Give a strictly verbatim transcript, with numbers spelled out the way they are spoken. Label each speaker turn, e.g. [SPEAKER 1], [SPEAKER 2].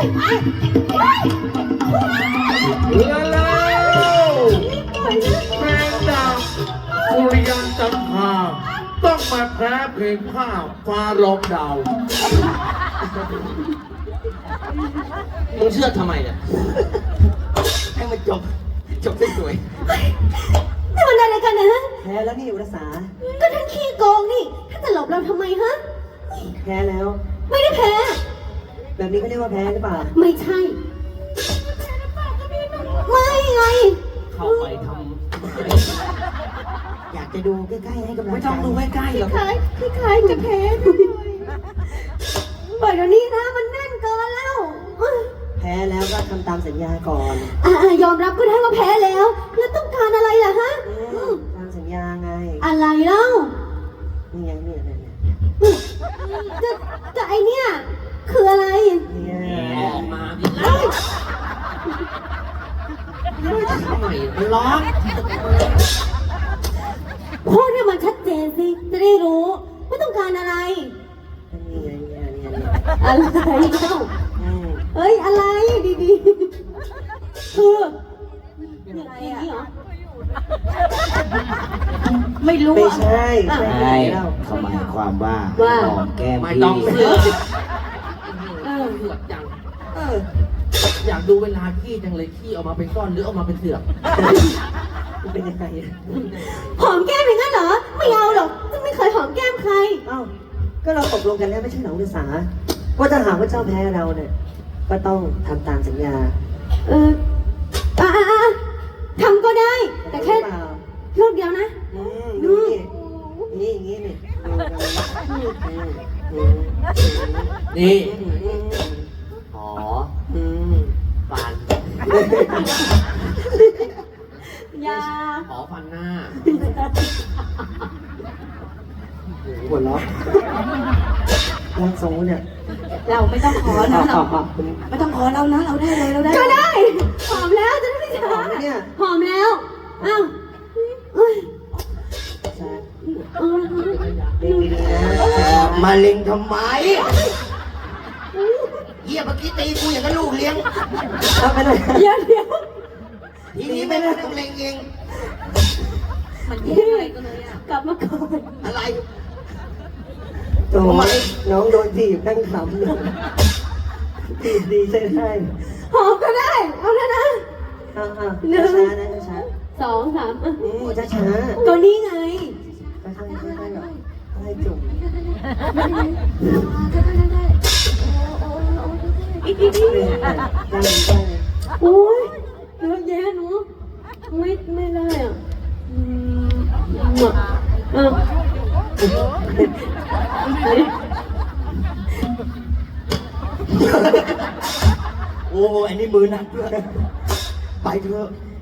[SPEAKER 1] แล้วแม่ดาวสุริยันจันทราต้องมาแพ้เพลงผ้าฟ้าร้องดาวมึงเชื่อทำไมเนี่ยให้มันจบจบสวย
[SPEAKER 2] นี่มันอะไรกันนะ
[SPEAKER 3] แพ้แล้วนี่อุรสา
[SPEAKER 2] ก็ท่านขี้โกงนี่ท่านจะหลบเราทำไมฮะ
[SPEAKER 3] แพ้แล้ว
[SPEAKER 2] ไม่ได้แพ้
[SPEAKER 3] แบบนี้เขาเรียกว่าแพ้หรือเปล่า
[SPEAKER 2] ไม่ใช่ ไม่ไง
[SPEAKER 1] ๆเข้าไปทำ
[SPEAKER 3] อยากจะดูใกล้ๆให้กำลัง
[SPEAKER 1] ไม่
[SPEAKER 3] ใจ
[SPEAKER 1] ต้องดูใกล้ๆหรอก
[SPEAKER 2] คล้ายคล้ายจะแพ้ด้วยปล่อยเดี๋ยวนี้นะมันแน่นเกินแล้ว
[SPEAKER 3] แพ้แล้วก็ทำตามสัญญาก่อน
[SPEAKER 2] อ่ายอมรับก็ได้ว่าแพ้แล้ว แล้วต้องการอะไรล่ะฮะ
[SPEAKER 3] อืมตามสัญญาไง
[SPEAKER 2] อะไรเล่า
[SPEAKER 3] นี่ไงเนี่ยเนี่ยเนี่ย
[SPEAKER 2] จะจะไอเนี่ยคืออะไร
[SPEAKER 3] เนี่ย
[SPEAKER 1] ออกมาดิเล่าทำไมมันร้อน
[SPEAKER 2] พูดให้มันชัดเจนสิ จะได้รู้ว่าต้องการอะไร
[SPEAKER 3] นี่ไงเนี่ยเนี่ยเนี่ย
[SPEAKER 2] อะไรเล่า
[SPEAKER 3] อืม
[SPEAKER 2] เอ้ยอะไรดีๆคืออะไรอ่ะไม่รู้
[SPEAKER 3] ไม่
[SPEAKER 2] อ่ะ
[SPEAKER 3] ใช่ใช่
[SPEAKER 4] ใช่
[SPEAKER 3] แล้ว
[SPEAKER 4] เขาหมายความว่า
[SPEAKER 2] ว่า
[SPEAKER 4] หอมแก้ม
[SPEAKER 1] ไม่
[SPEAKER 4] พี่
[SPEAKER 1] ต้องเสือก
[SPEAKER 2] เออ
[SPEAKER 1] เสือกจัง
[SPEAKER 3] เออ
[SPEAKER 1] อยากดูเวลาขี้จังเลยขี้ออกมาเป็นก้อนหรือออกมาเป็นเสือก
[SPEAKER 3] มันเป็นยังไงอะ
[SPEAKER 2] หอมแก้มอย่างนั้นเหรอ ไม่เอาหรอกจะไม่เคยหอมแก้มใคร
[SPEAKER 3] เอ้าก็เราตกลงกันแล้วไม่ใช่เหรออุรสาว่าถ้าหากว่าเจ้าแพ้เราเนี่ยก็ต้องทำตามสัญญา
[SPEAKER 2] เอออ่ะอ่ะอ่ะทำก็ได้ แต่แค่
[SPEAKER 3] เปล่า
[SPEAKER 2] รูปเดียวนะ
[SPEAKER 3] อืมดูนี่นี่อย่างงี้นี่ดูกันอืมอืม
[SPEAKER 1] นี่
[SPEAKER 3] อืมอืม
[SPEAKER 1] หอ
[SPEAKER 3] อืม
[SPEAKER 1] ฟัน
[SPEAKER 2] อยา
[SPEAKER 1] หอฟันหน้า
[SPEAKER 3] หัวเราะร่างทรงเนี่ย
[SPEAKER 2] เราไม่ต้องขอนะเราไม่ต้องขอเรานะ เราได้เลยเราได้ ก็ได้ หอมแล้วจะได้ไม่ช้า
[SPEAKER 3] หอมไหมเนี่ย
[SPEAKER 2] หอมแล้ว อ้าวเอ้ย
[SPEAKER 3] ใช่
[SPEAKER 2] เออ
[SPEAKER 3] เล่นดีๆนะ
[SPEAKER 4] มาเล็งทำไมเยี่ยเมื่อกี้ตีกูอย่างกับลูกเลี้ยง
[SPEAKER 3] เอาไปเลย
[SPEAKER 2] เดี๋ยวเดี๋ยว
[SPEAKER 4] ทีนี้ไม่ต้องเล็งเอง
[SPEAKER 2] มันแย่อะไรกันเลยอ่ะ กลับมาก่อน
[SPEAKER 4] อะไร
[SPEAKER 3] โอ้ยน้องโดนถีบนั่งขำเลยถีบดีใช่ไหม
[SPEAKER 2] หอมก็ได้ เอาแล้วนะ
[SPEAKER 3] อ่าอ่าช้าๆนะช้า
[SPEAKER 2] สองสามอ่ะ
[SPEAKER 3] ๆอืมช้าๆ
[SPEAKER 2] ก็นี่ไง
[SPEAKER 3] ค่อยๆค่อยๆแบบค่อยๆจุ่ม
[SPEAKER 2] อีกที
[SPEAKER 3] ได้เลยได้เลย
[SPEAKER 2] โอ้ยเยอะแยะหนูไม่ไม่ได้อ่ะอืมอ่ะ
[SPEAKER 4] โอ้อันนี้มือหนักด้วยไปเถอะ